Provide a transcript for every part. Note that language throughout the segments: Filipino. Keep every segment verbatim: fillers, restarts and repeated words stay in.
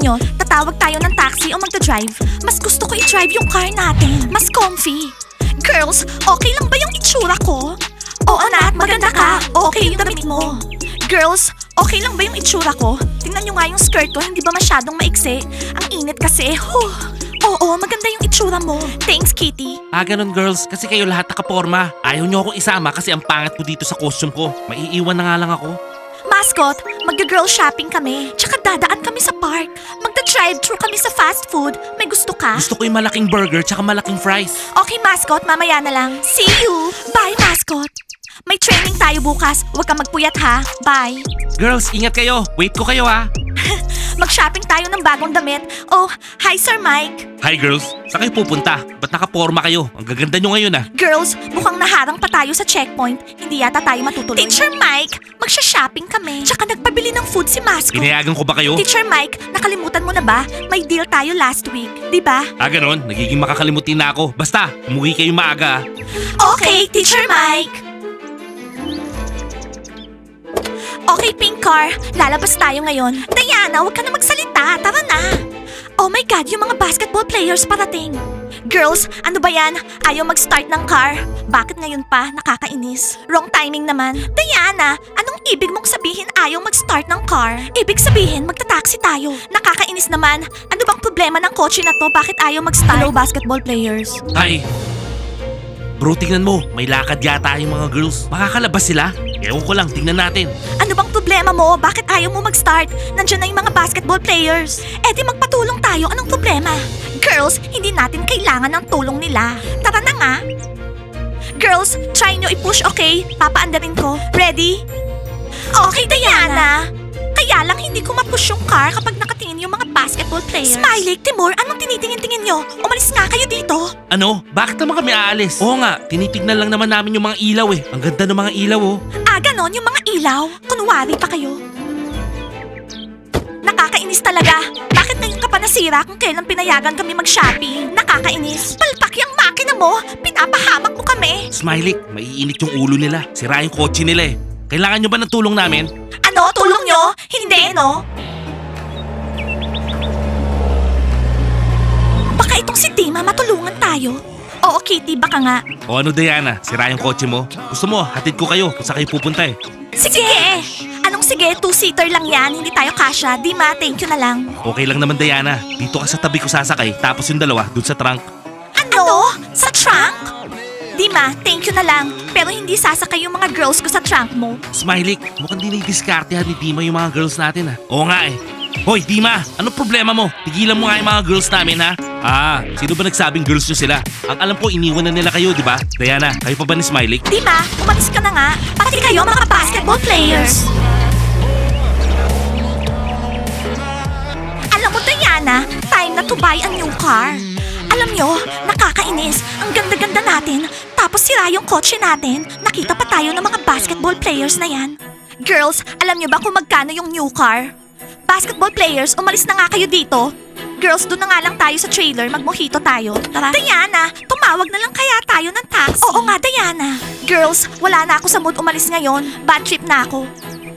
nyo, tatawag tayo ng taxi o magdadrive. Mas gusto ko i-drive yung car natin. Mas comfy. Girls, okay lang ba yung itsura ko? Oo, Nat, maganda ka. Okay yung damit mo. Girls, okay lang ba yung itsura ko? Tingnan nyo nga yung skirt ko, hindi ba masyadong maiksi? Ang init kasi. Huh. Oo, maganda yung itsura mo. Thanks, Kitty. Ah, ganun girls, kasi kayo lahat nakaporma. Ayaw nyo akong isama kasi ang pangit ko dito sa costume ko. Maiiwan na nga lang ako. Mascot, magga-girl shopping kami. Tsaka dadaan kami sa park. Magda-drive-thru kami sa fast food. May gusto ka? Gusto ko yung malaking burger tsaka malaking fries. Okay, Mascot, mamaya na lang. See you! Bye, Mascot! May training tayo bukas. Huwag kang magpuyat ha. Bye! Girls, ingat kayo. Wait ko kayo ha. Mag-shopping tayo ng bagong damit. Oh, hi Sir Mike! Hi girls, saan kayo pupunta? Ba't nakaporma kayo? Ang gaganda nyo ngayon ah. Girls, mukhang naharang pa tayo sa checkpoint. Hindi yata tayo matutuloy. Teacher Mike, magsha-shopping kami. Tsaka nagpabili ng food si Mascot. Pinayagan ko ba kayo? Teacher Mike, nakalimutan mo na ba? May deal tayo last week, di ba? Ah, ganun. Nagiging makakalimutin na ako. Basta, umuwi kayo maaga ah. Okay, Teacher Mike! Okay, Pink Car. Lalabas tayo ngayon. Diana, huwag ka na magsalita. Tara na. Oh my God, yung mga basketball players parating. Girls, ano ba yan? Ayaw mag-start ng car. Bakit ngayon pa? Nakakainis. Wrong timing naman. Diana, anong ibig mong sabihin ayaw mag-start ng car? Ibig sabihin, magta-taxi tayo. Nakakainis naman. Ano bang problema ng kotse na to? Bakit ayaw mag-start? Hello, basketball players. Ay, bro, tingnan mo. May lakad yata yung mga girls. Makakalabas sila? Ewan ko lang, tingnan natin. Ano bang problema mo? Bakit ayaw mo mag-start? Nandiyan na yung mga basketball players. Eh di magpatulong tayo. Anong problema? Girls, hindi natin kailangan ng tulong nila. Tara na nga. Girls, try nyo i-push, okay? Papaandarin ko. Ready? Okay, Diana. Kaya lang hindi ko ma-push yung car kapag nakatingin yung mga basketball players. Smiley, Timur, anong tinitingin-tingin nyo? Umalis nga kayo dito. Ano? Bakit naman kami aalis? Oo nga, tinitignan lang naman namin yung mga ilaw eh. Ang ganda ng mga ilaw oh. Ah, ganon yung mga ilaw? Kunwari pa kayo. Nakakainis talaga. Bakit ngayon ka pa nasira kung kailan pinayagan kami mag-shopping? Nakakainis. Palpak yung makina mo. Pinapahamak mo kami. Smiley, maiinit yung ulo nila. Sira yung kotse nila eh. Kailangan nyo ba ng tulong namin? Ano? Tulong nyo? Hindi, no? Baka itong si Dima matulungan tayo. Oo, Kitty, baka nga. O ano Diana, sira yung kotse mo? Gusto mo, hatid ko kayo kung saan kayo pupunta eh. Sige! Anong sige? Two-seater lang yan. Hindi tayo kasya. Dima, thank you na lang. Okay lang naman Diana, dito ka sa tabi ko sasakay, tapos yung dalawa dun sa trunk. Ano? Sa trunk? Dima, thank you na lang. Pero hindi sasakay yung mga girls ko sa trunk mo. Smiley, mukhang dinidiskartehan ni Dima yung mga girls natin ah. Oo nga eh. Hoy Dima, anong problema mo? Tigilan mo nga yung mga girls namin ha? Ah, sino ba nagsabing girls nyo sila? Ang alam ko iniwan na nila kayo, di ba? Diana, kayo pa ba ni Smiley? Dima, umalis ka na nga. Pati kayo mga basketball players. Alam mo, Diana, time na to buy a new car. Alam nyo, nakakainis. Ang ganda-ganda natin. Tapos sira yung kotse natin. Nakita pa tayo ng mga basketball players na yan. Girls, alam nyo ba kung magkano yung new car? Basketball players, umalis na nga kayo dito. Girls, doon na nga lang tayo sa trailer. Mag-mojito tayo. Tara. Diana, tumawag na lang kaya tayo ng taxi. Oo nga, Diana. Girls, wala na ako sa mood umalis ngayon. Bad trip na ako.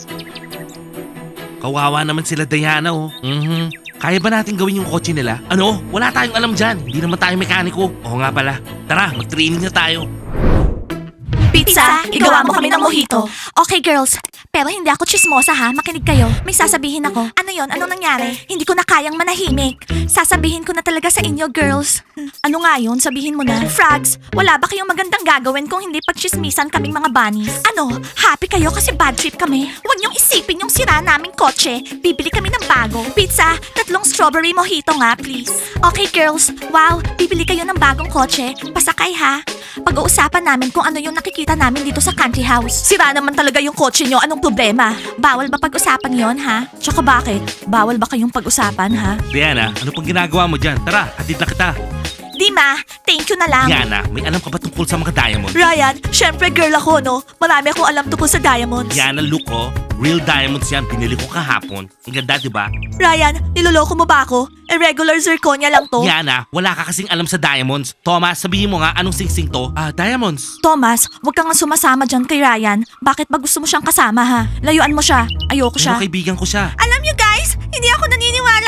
Kawawa naman sila Diana oh. Mhm. Kaya ba natin gawin yung kotse nila? Ano? Wala tayong alam dyan. Hindi naman tayo mekaniko. Oo nga pala. Tara, mag-training na tayo. Pizza, igawa mo kami ng mojito. Okay, girls. Pero hindi ako chismosa ha. Makinig kayo. May sasabihin ako. Ano yon? Anong nangyari? Hindi ko na kayang manahimik. Sasabihin ko na talaga sa inyo, girls. Ano nga yun? Sabihin mo na. Frogs, wala ba kayong magandang gagawin kung hindi pagchismisan kaming mga bunnies? Ano? Happy kayo kasi bad trip kami? Huwag niyong isipin yung sira naming kotse. Bibili kami ng bago. Pizza, tatlong strawberry mojito nga, please. Okay, girls. Wow, bibili kayo ng bagong kotse. Pasakay ha. Pag-uusapan namin kung ano yung nakikita namin dito sa country house. Sira naman talaga yung kotse nyo. Anong problema? Bawal ba pag-usapan yon ha? Tsaka bakit? Bawal ba kayong pag-usapan ha? Diana, ano pang ginagawa mo dyan? Tara, hatid na kita. Dima, thank you na lang. Diana, may alam ka ba tungkol sa mga diamonds? Ryan, syempre girl ako no. Marami akong alam tungkol sa diamonds. Diana, look oh. Real diamonds yan. Binili ko kahapon. Ang ganda, di ba? Ryan, niloloko mo ba ako? Irregular zirconia lang to. Diana, wala ka kasing alam sa diamonds. Thomas, sabihin mo nga anong singsing to? Ah, diamonds. Thomas, huwag kang nga sumasama dyan kay Ryan. Bakit ba gusto mo siyang kasama ha? Layuan mo siya. Ayoko siya. Pero kaibigan ko siya. Alam niyo guys, hindi ako naniniwala sa Ryan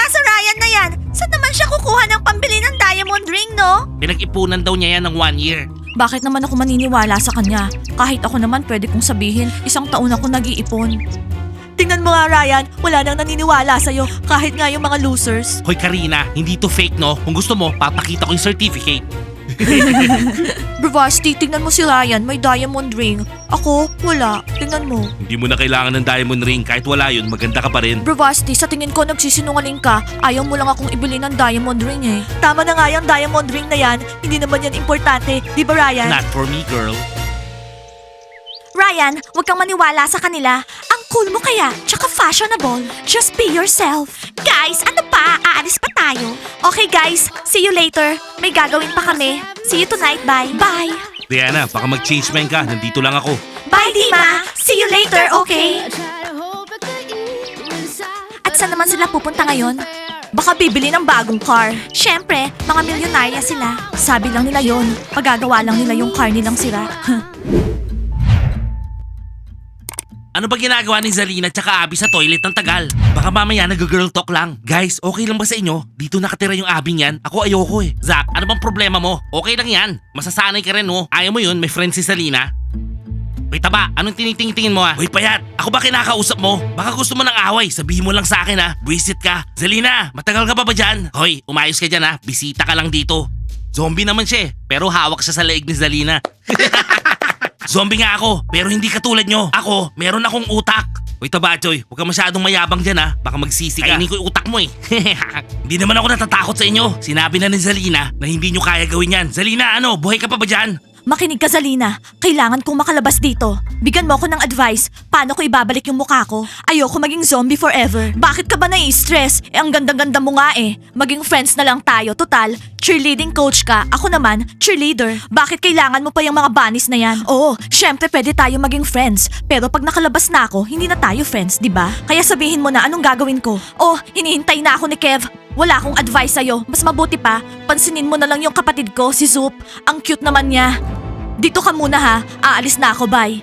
Ryan na yan? Saan naman siya kukuha ng pambili ng diamond ring, no? Pinag-ipunan daw niya yan ng one year. Bakit naman ako maniniwala sa kanya? Kahit ako naman pwede kong sabihin, isang taon ako nag-iipon. Tingnan mo nga, Ryan, wala nang naniniwala sa'yo, kahit nga yung mga losers. Hoy Karina, hindi to fake no? Kung gusto mo, papakita ko yung certificate. Bravasti, tingnan mo si Ryan, may diamond ring. Ako, wala. Tingnan mo. Hindi mo na kailangan ng diamond ring. Kahit wala yun, maganda ka pa rin. Bravasti, sa tingin ko nagsisinungaling ka. Ayaw mo lang akong ibili ng diamond ring eh. Tama na nga yung diamond ring na yan. Hindi naman yan importante. Di ba, Ryan? Not for me, girl. Ryan, huwag kang maniwala sa kanila. Ang cool mo kaya, tsaka fashionable. Just be yourself. Guys, ano pa? Aalis pa tayo. Okay guys, see you later. May gagawin pa kami. See you tonight, bye. Bye. Diana, baka mag-change mind ka. Nandito lang ako. Bye, Dima. See you later, okay? At saan naman sila pupunta ngayon? Baka bibili ng bagong car. Siyempre, mga milyonarya sila. Sabi lang nila yon. Pagagawa lang nila yung car nilang sira. Ano ba ginagawa ni Zalina tsaka Abby sa toilet ng tagal? Baka mamaya nag-girl talk lang. Guys, okay lang ba sa inyo? Dito nakatira yung Abby niyan. Ako ayoko eh. Zach, ano bang problema mo? Okay lang yan. Masasanay ka rin oh. Ayaw mo yun, may friend si Zalina. Hoy taba, anong tinitingin mo ah? Hoy payat, ako ba kinakausap mo? Baka gusto mo ng away, sabihin mo lang sa akin ah. Buisit ka. Zalina, matagal ka pa ba dyan? Hoy, umayos ka dyan ah. Bisita ka lang dito. Zombie naman siya eh, pero hawak siya sa leeg ni Zalina. Zombie nga ako, pero hindi katulad nyo. Ako, meron akong utak. Hoy Tabachoy, huwag ka masyadong mayabang dyan ha. Baka magsisi ka. Kainin ko yung utak mo eh. Hindi naman ako natatakot sa inyo. Sinabi na ni Zalina na hindi nyo kaya gawin yan. Zalina, ano? Buhay ka pa ba dyan? Makinig ka, Zalina. Kailangan kong makalabas dito. Bigyan mo ako ng advice. Paano ko ibabalik yung mukha ko? Ayoko maging zombie forever. Bakit ka ba nai-stress? Eh, ang ganda-ganda mo nga eh. Maging friends na lang tayo. Total, cheerleading coach ka. Ako naman, cheerleader. Bakit kailangan mo pa yung mga bunnies na yan? Oo, syempre pwede tayo maging friends. Pero pag nakalabas na ako, hindi na tayo friends, di ba? Kaya sabihin mo na anong gagawin ko. Oh, hinihintay na ako ni Kev. Wala akong advice sa'yo. Mas mabuti pa, pansinin mo na lang yung kapatid ko, si Zoop. Ang cute naman niya. Dito ka muna ha. Aalis na ako, bye.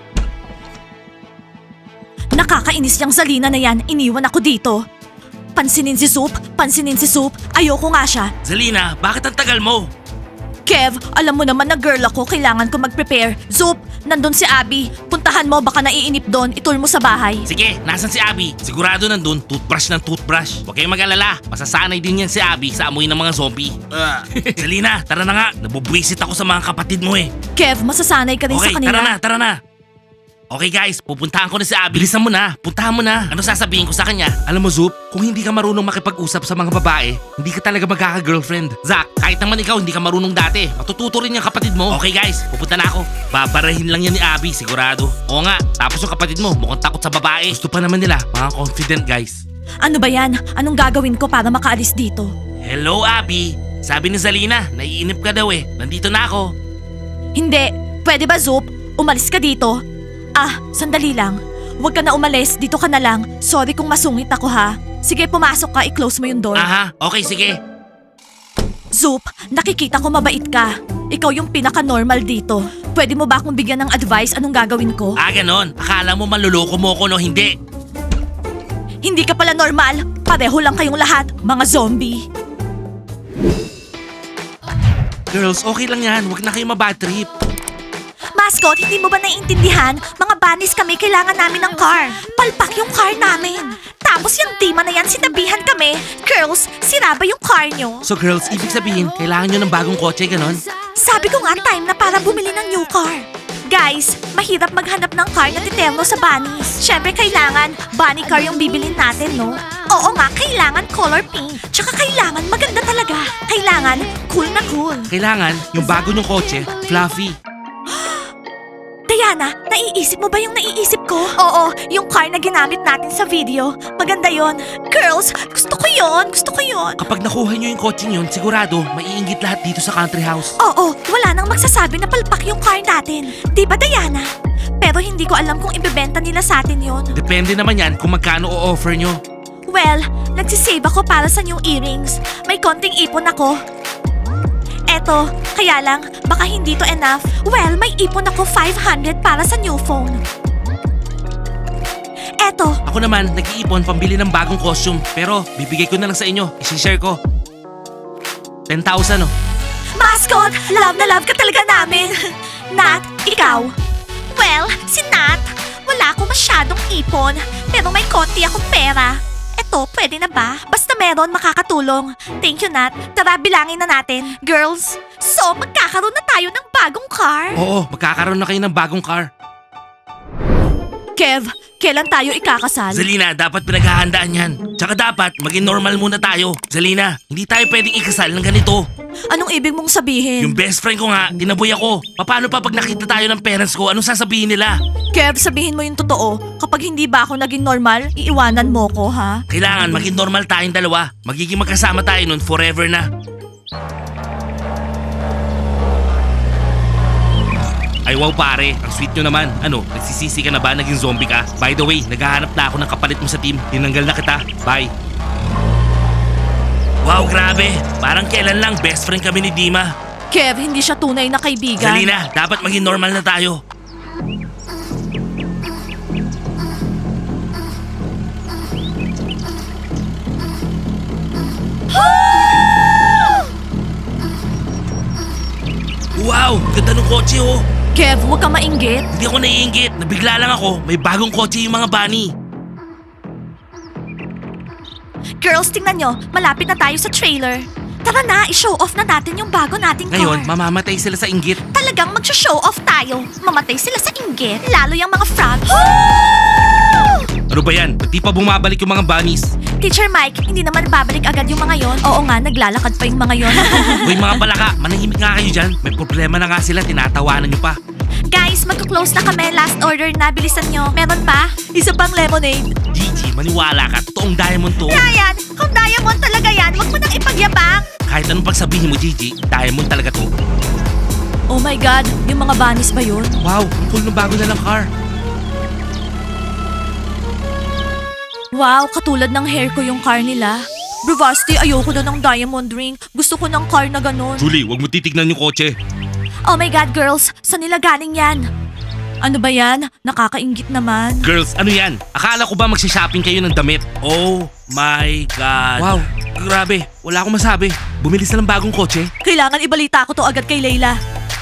Nakakainis yung Zalina na yan. Iniwan ako dito. Pansinin si Zoop. Pansinin si Zoop. Ayoko nga siya. Zalina, bakit ang tagal mo? Kev, alam mo naman na girl ako. Kailangan ko mag-prepare. Zoop, nandun si Abby. Puntahan mo, baka naiinip doon. Itul mo sa bahay. Sige, nasan si Abby? Sigurado nandun, toothbrush ng toothbrush. Huwag kayong mag-alala, masasanay din yan si Abby sa amoy ng mga zombie. Uh, Zalina, tara na nga. Nabubwisit ako sa mga kapatid mo eh. Kev, masasanay ka rin Okay, sa kanila. tara na, tara na. Okay guys, pupuntahan ko na si Abby. Bilisan mo na, puntahan mo na. Ano sasabihin ko sa kanya? Alam mo Zoop, kung hindi ka marunong makipag-usap sa mga babae, hindi ka talaga magkaka-girlfriend. Zach, kahit naman ikaw hindi ka marunong dati, matututo rin yung kapatid mo. Okay guys, pupunta na ako. Babarahin lang yan ni Abby, sigurado. Oo nga, tapos yung kapatid mo, mukhang takot sa babae. Gusto pa naman nila, mga confident guys. Ano ba yan? Anong gagawin ko para makaalis dito? Hello Abby, sabi ni Zalina, naiinip ka daw eh. Nandito na ako. Hindi. Pwede ba, Zoop? Umalis ka dito? Ah, sandali lang. Huwag ka na umalis. Dito ka na lang. Sorry kung masungit ako ha. Sige, pumasok ka. I-close mo yung door. Aha, okay sige. Zoop, nakikita ko mabait ka. Ikaw yung pinaka-normal dito. Pwede mo ba akong bigyan ng advice anong gagawin ko? Ah, ganon. Akala mo maluloko mo ko no, hindi. Hindi ka pala normal. Pareho lang kayong lahat, mga zombie. Girls, okay lang yan. Huwag na kayo mabad trip. Mascot, hindi mo ba naiintindihan? Mga bunnies kami, kailangan namin ng car. Palpak yung car namin. Tapos yung Dima na yan, sinabihan kami. Girls, sira ba yung car nyo? So girls, ibig sabihin, kailangan nyo ng bagong kotse, ganon? Sabi ko nga time na para bumili ng new car. Guys, mahirap maghanap ng car na titerno sa bunnies. Siyempre kailangan bunny car yung bibilin natin, no? Oo nga, kailangan color pink. Tsaka kailangan maganda talaga. Kailangan cool na cool. Kailangan yung bago nyong kotse, fluffy. Diana, naiisip mo ba yung naiisip ko? Oo, yung car na ginamit natin sa video. Maganda yon. Girls, gusto ko yon, gusto ko yon. Kapag nakuha nyo yung kotse yun, sigurado, maiinggit lahat dito sa country house. Oo, wala nang magsasabi na palpak yung car natin. Di ba, Diana? Pero hindi ko alam kung ibebenta nila sa atin yon. Depende naman yan kung magkano o-offer nyo. Well, nagsisave ako para sa new earrings. May konting ipon ako. Eto, kaya lang, baka hindi to enough. Well, may ipon ako five hundred para sa new phone. Eto. Ako naman, nag-iipon pambili ng bagong costume. Pero, bibigay ko na lang sa inyo. I-share ko. ten thousand oh. Mascot, love na love ka talaga namin. Nat, ikaw? Well, si Nat, wala akong masyadong ipon, pero may konti akong pera. Eto, pwede na ba? Basta meron, makakatulong. Thank you, Nat. Tara, bilangin na natin. Girls, so magkakaroon na tayo ng bagong car? Oo, magkakaroon na kayo ng bagong car. Kev, kailan tayo ikakasal? Zalina, dapat pinaghahandaan yan. Tsaka dapat, maging normal muna tayo. Zalina, hindi tayo pwedeng ikasal ng ganito. Anong ibig mong sabihin? Yung best friend ko nga, tinaboy ako. Paano pa pag nakita tayo ng parents ko, anong sasabihin nila? Kev, sabihin mo yung totoo. Kapag hindi ba ako naging normal, iiwanan mo ko, ha? Kailangan maging normal tayong dalawa. Magiging magkasama tayo nun forever na. Ay wow pare, ang sweet nyo naman. Ano, nagsisisi ka na ba? Naging zombie ka? By the way, naghahanap na ako ng kapalit mo sa team. Tinanggal na kita. Bye. Wow, grabe. Parang kailan lang best friend kami ni Dima. Kev, hindi siya tunay na kaibigan. Zalina, dapat maging normal na tayo. Wow, ganda ng kotse oh. Kev, huwag kang mainggit. Hindi ako naiingit. Nabigla lang ako. May bagong kotse yung mga bunny. Girls, tingnan nyo. Malapit na tayo sa trailer. Tara na, i-show off na natin yung bago nating car. Ngayon, mamamatay sila sa inggit. Talagang mag-show off tayo. Mamatay sila sa inggit. Lalo yung mga frogs. Ano ba yan? Ba't di pa bumabalik yung mga bunnies? Teacher Mike, hindi naman babalik agad yung mga yon. Oo nga, naglalakad pa yung mga yon. Hoy mga palaka, manahimik nga kayo dyan. May problema na nga sila, tinatawanan nyo pa. Guys, magko-close na kami. Last order na. Bilisan nyo. Meron pa? Isa pang lemonade. Gigi, maniwala ka. Totoong diamond to. Ryan, kung diamond talaga yan, wag mo nang ipagyabang. Kahit anong pagsabihin mo, Gigi, diamond talaga to. Oh my God, yung mga bunnies ba yun? Wow, ang cool ng bago na lang car. Wow, katulad ng hair ko yung car nila. Bravasti, ayoko na ng diamond ring. Gusto ko ng car na ganun. Julie, wag mo titignan yung kotse. Oh my God, girls, saan nila galing yan? Ano ba yan? Nakakaingit naman. Girls, ano yan? Akala ko ba magsha-shopping kayo ng damit? Oh my God. Wow, grabe. Wala akong masabi. Bumili sila ng bagong kotse. Kailangan ibalita ko to agad kay Layla.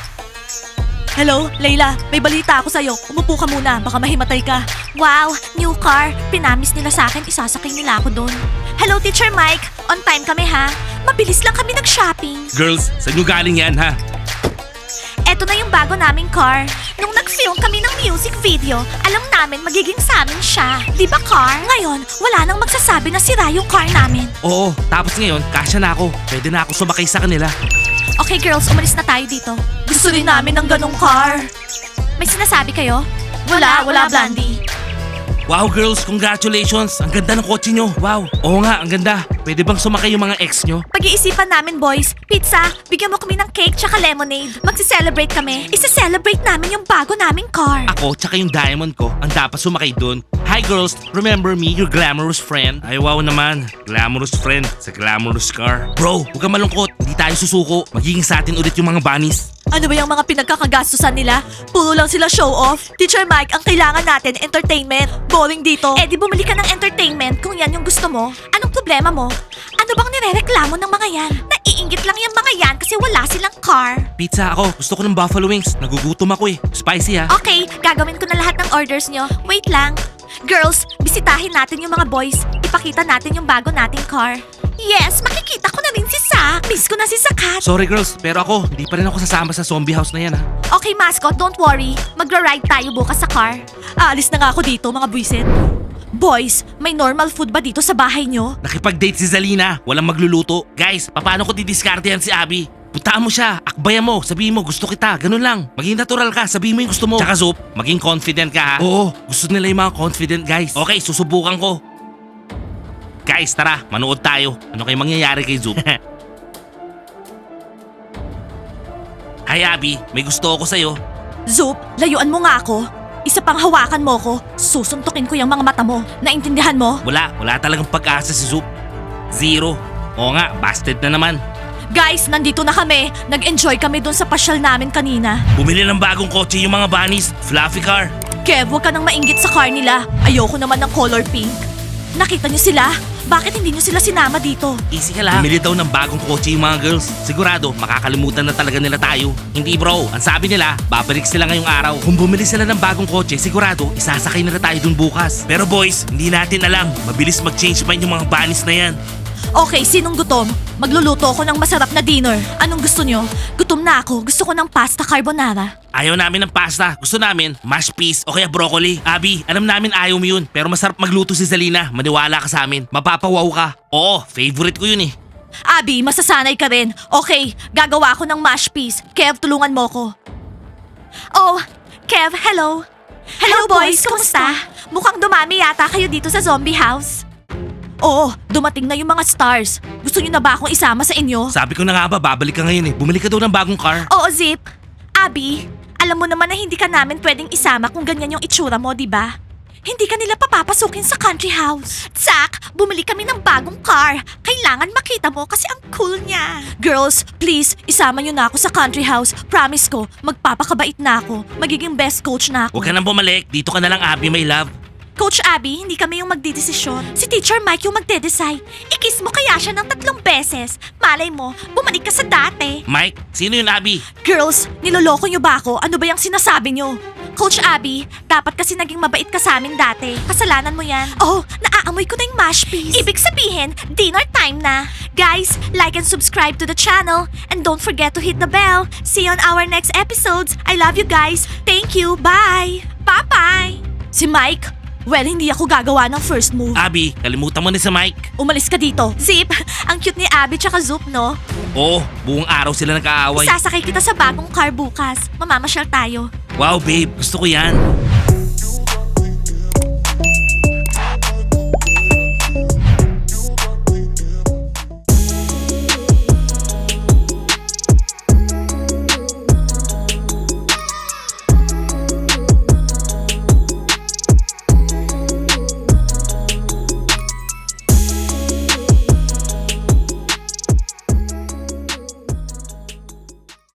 Hello, Layla. May balita ako sa'yo. Umupo ka muna. Baka mahimatay ka. Wow, new car. Pinamis nila sa akin. Isasakay nila ako doon. Hello, Teacher Mike. On time kami ha. Mabilis lang kami nag-shopping. Girls, saan nyo galing yan ha? Eto na yung bago naming car. Nung nag-film kami ng music video, alam namin magiging sa amin siya. Di ba, car? Ngayon, wala nang magsasabi na sira yung car namin. Oo, tapos ngayon, kasya na ako. Pwede na ako sumakay sa kanila. Okay, girls, umalis na tayo dito. Gusto rin namin ng ganong car. May sinasabi kayo? Wala, wala, Blondie. Wow girls, congratulations! Ang ganda ng kotse nyo. Wow. Oo nga, ang ganda. Pwede bang sumakay yung mga ex nyo? Pag-iisipan namin, boys. Pizza, bigyan mo kami ng cake tsaka lemonade. Magsi-celebrate kami. Isi-celebrate namin yung bago naming car. Ako, tsaka yung diamond ko, ang dapat sumakay dun. Hi girls, remember me, your glamorous friend? Ay wow naman, glamorous friend sa glamorous car. Bro, huwag kang malungkot, hindi tayo susuko. Magiging sa atin ulit yung mga bunnies. Ano ba yung mga pinagkakagastusan nila? Puro lang sila show off. Teacher Mike, ang kailangan natin, entertainment. Boring dito. Eh di bumili ka ng entertainment kung yan yung gusto mo. Anong problema mo? Ano bang nirereklamo ng mga yan? Naiingit lang yung mga yan kasi wala silang car. Pizza ako, gusto ko ng buffalo wings. Nagugutom ako eh. Spicy ha. Okay, gagawin ko na lahat ng orders nyo. Wait lang. Girls, bisitahin natin yung mga boys. Ipakita natin yung bago nating car. Yes, makikita ko na rin si Sa. Miss ko na si Sakat. Sorry girls, pero ako, hindi pa rin ako sasama sa zombie house na yan ha. Okay, mascot, don't worry. Magra-ride tayo bukas sa car. Aalis na nga ako dito, mga buwisit. Boys, may normal food ba dito sa bahay nyo? Nakipag-date si Zalina, walang magluluto. Guys, paano ko didiskartehan si Abby? Puntaan mo siya, akbayan mo, sabihin mo gusto kita, ganun lang. Maging natural ka, sabihin mo yung gusto mo. Tsaka Zoop, maging confident ka ha. Oo, gusto nila yung mga confident guys. Okay, susubukan ko. Guys, tara, manood tayo. Ano kayo mangyayari kay Zoop? Hi Abby, may gusto ako sa'yo. Zoop, layuan mo nga ako. Isa pang hawakan mo ko, susuntukin ko yung mga mata mo. Naintindihan mo? Wala, wala talagang pag-asa si Zoop. Zero. Oo nga, busted na naman. Guys, nandito na kami. Nag-enjoy kami dun sa pasyal namin kanina. Bumili ng bagong kotse yung mga bunnies, fluffy car. Kev, huwag ka nang mainggit sa car nila. Ayoko naman ng color pink. Nakita niyo sila? Bakit hindi niyo sila sinama dito? Easy ka lang. Bumili daw ng bagong kotse yung mga girls. Sigurado, makakalimutan na talaga nila tayo. Hindi bro, ang sabi nila, babalik sila ngayong araw. Kung bumili sila ng bagong kotse, sigurado, isasakay na tayo dun bukas. Pero boys, hindi natin alam. Mabilis mag-change mind yung mga banis na yan. Okay, sinong gutom? Magluluto ako ng masarap na dinner. Anong gusto nyo? Gutom na ako. Gusto ko ng pasta carbonara. Ayaw namin ng pasta. Gusto namin, mashed peas o kaya broccoli. Abby, alam namin ayaw mo yun. Pero masarap magluto si Zalina. Maniwala ka sa amin. Mapapawaw ka. Oo, favorite ko yun eh. Abby, masasanay ka rin. Okay, gagawa ako ng mashed peas. Kev, tulungan mo ko. Oh, Kev, hello. Hello, boys, kumusta? Mukhang dumami yata kayo dito sa zombie house. Oo, dumating na yung mga stars. Gusto niyo na ba akong isama sa inyo? Sabi ko na nga ba, babalik ka ngayon eh. Bumili ka daw ng bagong car. Oo, Zip. Abby, alam mo naman na hindi ka namin pwedeng isama kung ganyan yung itsura mo, di ba? Hindi ka nila papapasukin sa country house. Zach, bumili kami ng bagong car. Kailangan makita mo kasi ang cool niya. Girls, please, isama niyo na ako sa country house. Promise ko, magpapakabait na ako. Magiging best coach na ako. Huwag ka nang bumalik. Dito ka na lang, Abby, my love. Coach Abby, hindi kami yung magdidesisyon. Si Teacher Mike yung magde-decide. I-kiss mo kaya siya ng tatlong beses. Malay mo, bumalik ka sa dati. Mike, sino yun, Abby? Girls, niloloko niyo ba ako? Ano ba yung sinasabi niyo? Coach Abby, dapat kasi naging mabait ka sa amin dati. Kasalanan mo yan. Oh, naaamoy ko na yung mash piece. Ibig sabihin, dinner time na. Guys, like and subscribe to the channel. And don't forget to hit the bell. See you on our next episodes. I love you guys. Thank you. Bye. Bye-bye. Si Mike? Well, hindi ako gagawa ng first move. Abby, kalimutan mo na sa Mike. Umalis ka dito. Zip, ang cute ni Abby tsaka Zoop, no? Oo, buong araw sila nag-aaway. Sasakay kita sa bagong car bukas. Mamamasyal tayo. Wow, babe, gusto ko yan.